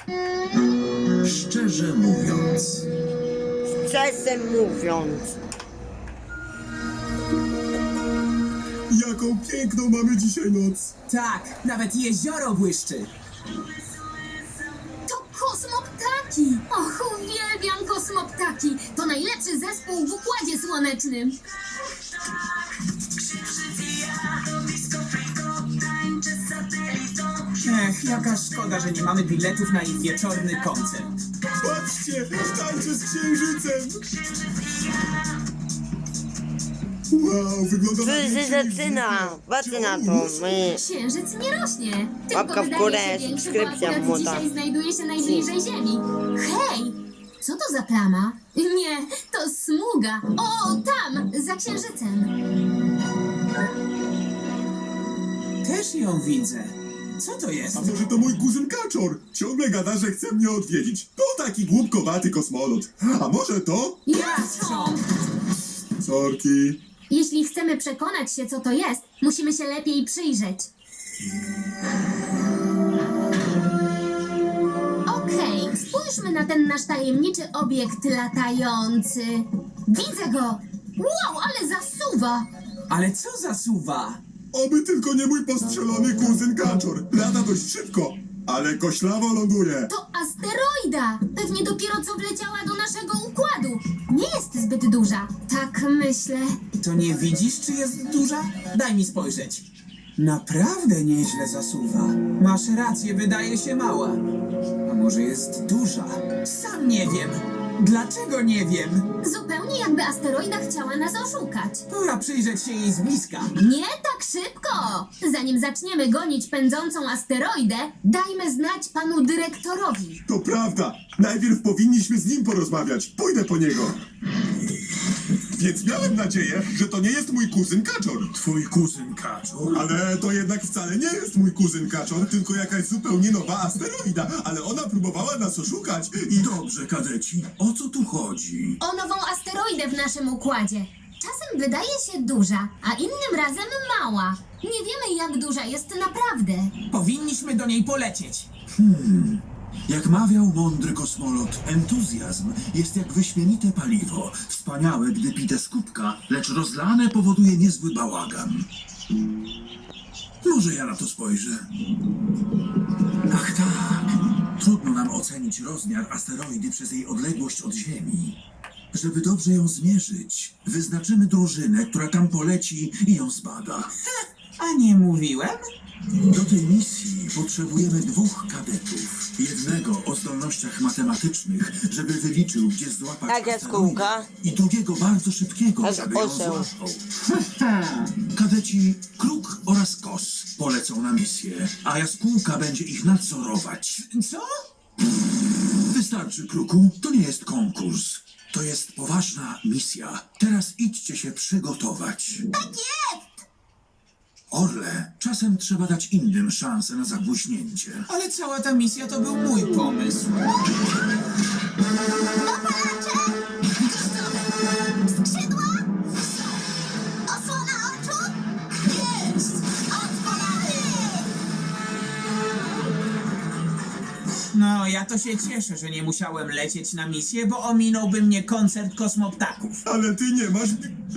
Szczerze mówiąc, Szczerze mówiąc. Jaką piękną mamy dzisiaj noc. Tak, nawet jezioro błyszczy. To kosmoptaki! Och, uwielbiam kosmoptaki! To najlepszy zespół w Układzie Słonecznym. Ech, jaka szkoda, że nie mamy biletów na ich wieczorny koncert. Patrzcie, tańczę z księżycem. Wow, wygląda na Czy się większy niż zaczyna? zwykle. Patrzcie na to. My... Księżyc nie rośnie, tylko Łapka w wydaje górę, się większy, bo subskrypcja akurat młoda. dzisiaj znajduje się najbliżej Ziemi. Hej! Co to za plama? Nie, to smuga. O, tam, za księżycem. Też ją widzę. Co to jest? A może to mój kuzyn Kaczor? Ciągle gada, że chce mnie odwiedzić. To taki głupkowaty kosmolot. A może to? Jastrząb! Sorki. Jeśli chcemy przekonać się, co to jest, musimy się lepiej przyjrzeć. Okej, spójrzmy na ten nasz tajemniczy obiekt latający. Widzę go! Wow, ale zasuwa! Ale co zasuwa? Oby tylko nie mój postrzelony kuzyn Kaczor. Lata dość szybko, ale koślawo ląduje. To asteroida! Pewnie dopiero co wleciała do naszego układu. Nie jest zbyt duża. Tak myślę. To nie widzisz, czy jest duża? Daj mi spojrzeć. Naprawdę nieźle zasuwa. Masz rację, wydaje się mała. A może jest duża? Sam nie wiem. Dlaczego nie wiem? Zupełnie jakby asteroida chciała nas oszukać. Pora przyjrzeć się jej z bliska. Nie tak szybko! Zanim zaczniemy gonić pędzącą asteroidę, dajmy znać panu dyrektorowi. To prawda. Najpierw powinniśmy z nim porozmawiać. Pójdę po niego. Więc miałem nadzieję, że to nie jest mój kuzyn Kaczor. Twój kuzyn Kaczor? Ale to jednak wcale nie jest mój kuzyn Kaczor, tylko jakaś zupełnie nowa asteroida. Ale ona próbowała nas oszukać i... Dobrze, kadeci, o co tu chodzi? O nową asteroidę w naszym układzie. Czasem wydaje się duża, a innym razem mała. Nie wiemy, jak duża jest naprawdę. Powinniśmy do niej polecieć. Jak mawiał mądry kosmolot, entuzjazm jest jak wyśmienite paliwo. Wspaniałe, gdy pite z kubka, lecz rozlane powoduje niezły bałagan. Może ja na to spojrzę? Ach tak, trudno nam ocenić rozmiar asteroidy przez jej odległość od Ziemi. Żeby dobrze ją zmierzyć, wyznaczymy drużynę, która tam poleci i ją zbada. A nie mówiłem? Do tej misji potrzebujemy 2 kadetów. Jednego o zdolnościach matematycznych, żeby wyliczył, gdzie złapać Tak, jaskółka. asteroidę, i drugiego bardzo szybkiego, Tak, żeby ją oseł. złapał. Kadeci Kruk oraz Kos polecą na misję, a jaskółka będzie ich nadzorować. Co? Wystarczy, Kruku, to nie jest konkurs. To jest poważna misja. Teraz idźcie się przygotować. Tak jest! Orle, czasem trzeba dać innym szansę na zabłyśnięcie. Ale cała ta misja to był mój pomysł. Dopalacze! Skrzydła! Osłona oczu? Jest! Otwieramy! No, ja to się cieszę, że nie musiałem lecieć na misję, bo ominąłby mnie koncert kosmoptaków. Ale ty nie masz...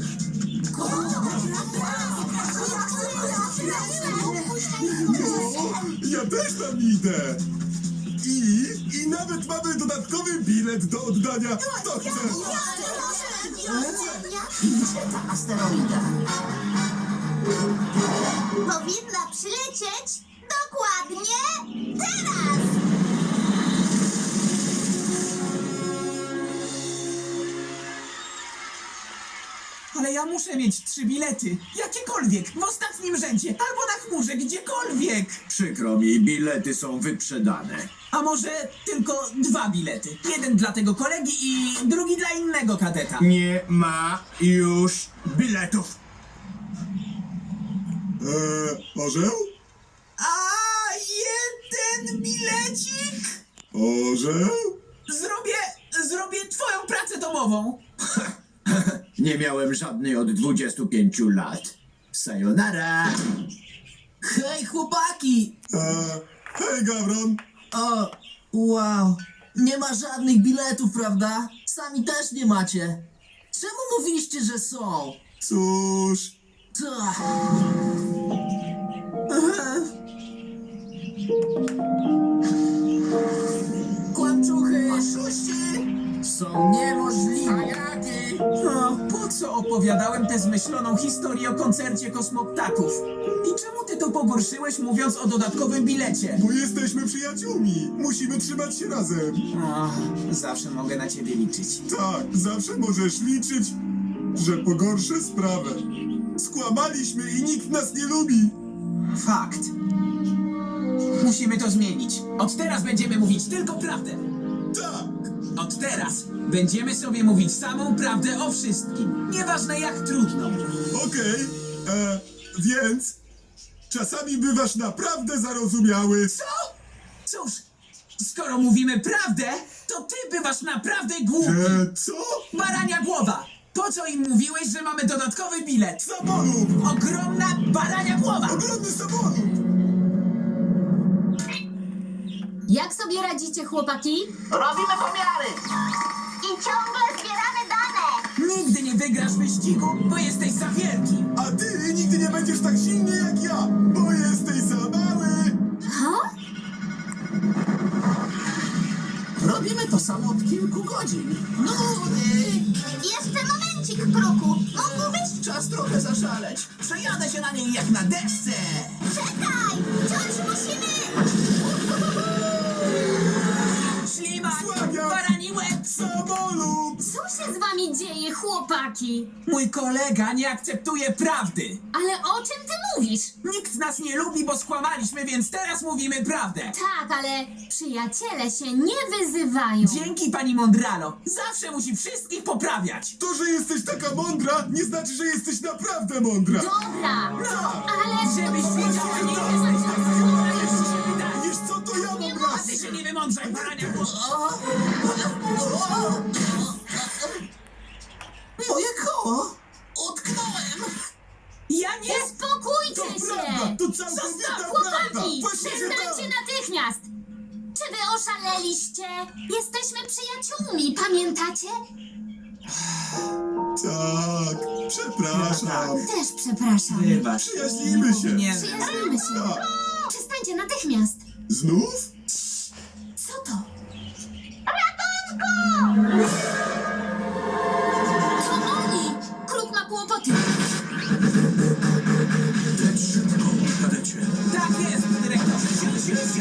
Ja też tam idę. I nawet mamy dodatkowy bilet do oddania. Kto chce? Gdzie ta asteroida? Powinna przylecieć dokładnie teraz! Ale ja muszę mieć 3 bilety. Jakiekolwiek, w ostatnim rzędzie, albo na chmurze, gdziekolwiek. przykro mi, bilety są wyprzedane. A może tylko 2 bilety. Jeden dla tego kolegi i drugi dla innego kadeta. Nie ma już biletów. Orzeł? A jeden bilecik? Orzeł? Zrobię twoją pracę domową. Nie miałem żadnej od 25 lat. Sayonara. Hej, chłopaki! Hej, Gawron. O, Wow, nie ma żadnych biletów, prawda? Sami też nie macie. Czemu mówiliście, że są? Cóż, Ta. Kłamczuchy! Oszuści! Są niemożliwe! O, po co opowiadałem tę zmyśloną historię o koncercie kosmoptaków? I czemu ty to pogorszyłeś, mówiąc o dodatkowym bilecie? bo jesteśmy przyjaciółmi. Musimy trzymać się razem. O, zawsze mogę na ciebie liczyć. Tak, zawsze możesz liczyć, że pogorszę sprawę. Skłamaliśmy i nikt nas nie lubi. Fakt. Musimy to zmienić. Od teraz będziemy mówić tylko prawdę. Tak, Od teraz będziemy sobie mówić samą prawdę o wszystkim. Nieważne jak trudno. okej. Więc czasami bywasz naprawdę zarozumiały. Co? Cóż, skoro mówimy prawdę, to ty bywasz naprawdę głupi. Co? Barania głowa! Po co im mówiłeś, że mamy dodatkowy bilet? Samolub! Ogromna barania głowa! Ogromny samolub! Jak sobie radzicie, chłopaki? Robimy pomiary! I ciągle zbieramy dane. Nigdy nie wygrasz wyścigu, bo jesteś za wielki. A ty nigdy nie będziesz tak silny jak ja, bo jesteś za mały! Ha? Robimy to samo od kilku godzin. Nudy! Jeszcze momencik, Kruku. Mógłbyś? Czas trochę zaszaleć. Przejadę się na niej jak na desce. Czekaj! Wciąż musimy... Ślimak! Sławia! Barani łeb! Samolub! Co się z wami dzieje, chłopaki? Mój kolega nie akceptuje prawdy. Ale o czym ty mówisz? Nikt nas nie lubi, bo skłamaliśmy, więc teraz mówimy prawdę. Tak, ale przyjaciele się nie wyzywają. Dzięki pani Mondralo. Zawsze musi wszystkich poprawiać. To, że jesteś taka mądra, nie znaczy, że jesteś naprawdę mądra. Dobra, No, ale... żebyś wiedziała, nie jesteś taka mądra, jak ci się wydaje. Wiesz co, to ja mam A rację. ty się nie wymądrzaj, barania głowa. Moje koło! Utknąłem! Ja nie... Uspokójcie To się! prawda, to całkowita prawda. Chłopaki, Właśnie, że przestańcie tak. natychmiast! Czy wy oszaleliście? Jesteśmy przyjaciółmi, pamiętacie? Tak, przepraszam. Też przepraszam. Wybacz. Przyjaźnimy się. Nie. Przyjaźnimy się. Tak. Przestańcie natychmiast. Znów? Co to? To oni! Kruk ma kłopoty. Leć szybko, kadecie. Tak jest, dyrektorze. Siu, siu, siu!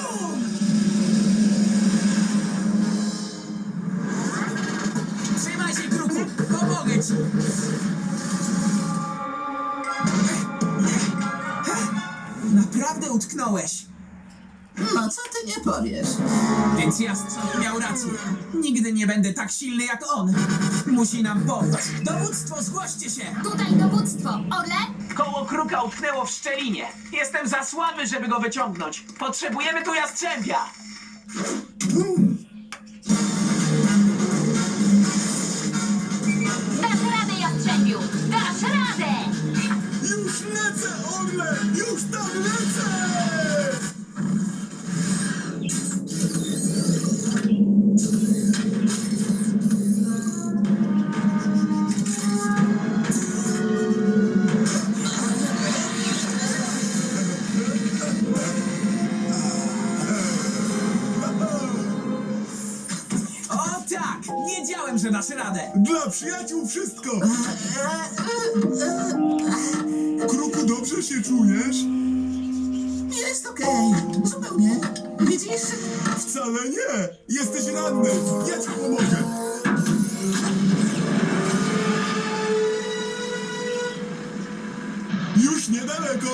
Trzymaj się, Kruku. Pomogę ci. Naprawdę utknąłeś. No co ty nie powiesz? Więc Jastrząb miał rację. Nigdy nie będę tak silny jak on. Musi nam pomóc. Dowództwo, zgłoście się! Tutaj dowództwo. Orle? Koło kruka utknęło w szczelinie. Jestem za słaby, żeby go wyciągnąć. Potrzebujemy tu jastrzębia. Dasz radę, Jastrzębiu! Dasz radę! Już lecę, Orle! Już tam lecę! O tak! Wiedziałem, że dasz radę! Dla przyjaciół wszystko! Kruku, dobrze się czujesz? Jest okej, zupełnie. Widzisz? Wcale nie! Jesteś ranny! Ja ci pomogę! Już niedaleko!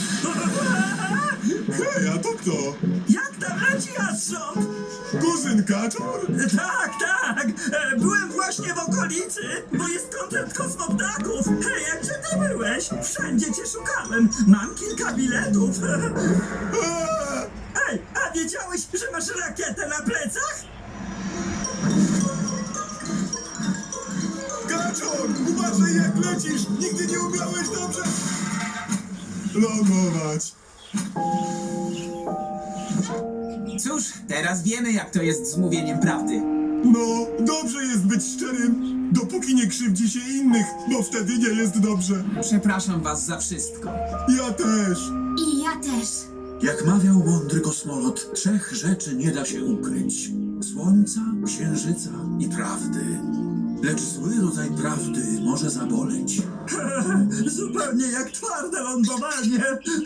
Hej, a to kto? Jak tam leci jastrząb? Kuzyn Kaczor? Tak, tak. Byłem właśnie w okolicy, bo jest koncert kosmoptaków. Hej, a gdzie ty byłeś? Wszędzie cię szukałem. Mam kilka biletów. Eee, Ej, a wiedziałeś, że masz rakietę na plecach? Kaczor! Uważaj jak lecisz! Nigdy nie umiałeś dobrze lądować! Cóż, teraz wiemy, jak to jest z mówieniem prawdy. No, dobrze jest być szczerym, dopóki nie krzywdzi się innych, bo wtedy nie jest dobrze. Przepraszam was za wszystko. Ja też. I ja też. Jak mawiał mądry kosmolot, 3 rzeczy nie da się ukryć: słońca, księżyca i prawdy. Lecz zły rodzaj prawdy może zaboleć. Zupełnie jak twarde lądowanie.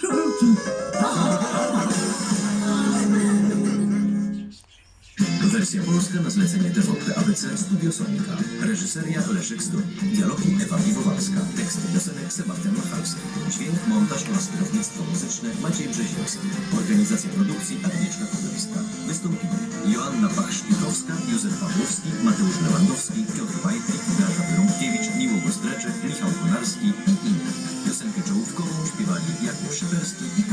Wersja polska na zlecenie TVP ABC Studio Sonika. Reżyseria Leszek Stój. Dialogi Ewa Piwowarska. Teksty piosenek Sebastian Machalski. Dźwięk, montaż oraz kierownictwo muzyczne Maciej Brzeziński. Organizacja produkcji Agnieszka Kudowska. Wystąpili Joanna Pach-Szpikowska, Józef Pawłowski, Mateusz Lewandowski, Piotr Pajtnik, Beata Wyrąbkiewicz, Miło Gostreczek, Michał Konarski i inni. Piosenkę czołówkową śpiewali Jakub Szyperski i